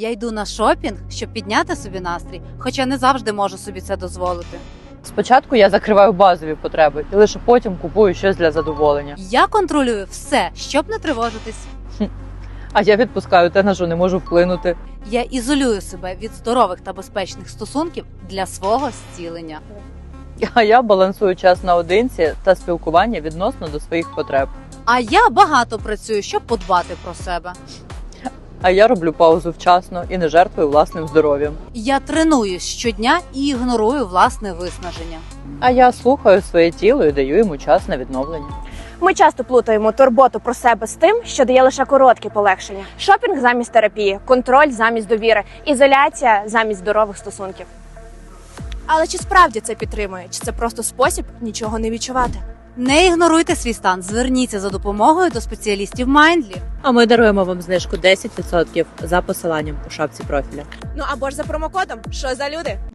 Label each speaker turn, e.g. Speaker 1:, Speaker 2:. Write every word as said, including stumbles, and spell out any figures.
Speaker 1: Я йду на шопінг, щоб підняти собі настрій, хоча не завжди можу собі це дозволити.
Speaker 2: Спочатку я закриваю базові потреби і лише потім купую щось для задоволення.
Speaker 1: Я контролюю все, щоб не тривожитись.
Speaker 2: А я відпускаю те, на що не можу вплинути.
Speaker 1: Я ізолюю себе від здорових та безпечних стосунків для свого зцілення.
Speaker 2: А я балансую час наодинці та спілкування відносно до своїх потреб.
Speaker 1: А я багато працюю, щоб подбати про себе.
Speaker 2: А я роблю паузу вчасно і не жертвую власним здоров'ям.
Speaker 1: Я тренуюсь щодня і ігнорую власне виснаження.
Speaker 2: А я слухаю своє тіло і даю йому час на відновлення.
Speaker 3: Ми часто плутаємо турботу про себе з тим, що дає лише короткі полегшення. Шопінг замість терапії, контроль замість довіри, ізоляція замість здорових стосунків.
Speaker 4: Але чи справді це підтримує? Чи це просто спосіб нічого не відчувати?
Speaker 1: Не ігноруйте свій стан, зверніться за допомогою до спеціалістів Mindly.
Speaker 2: А ми даруємо вам знижку десять відсотків за посиланням у шапці профіля.
Speaker 4: Ну або ж за промокодом «Що за люди?».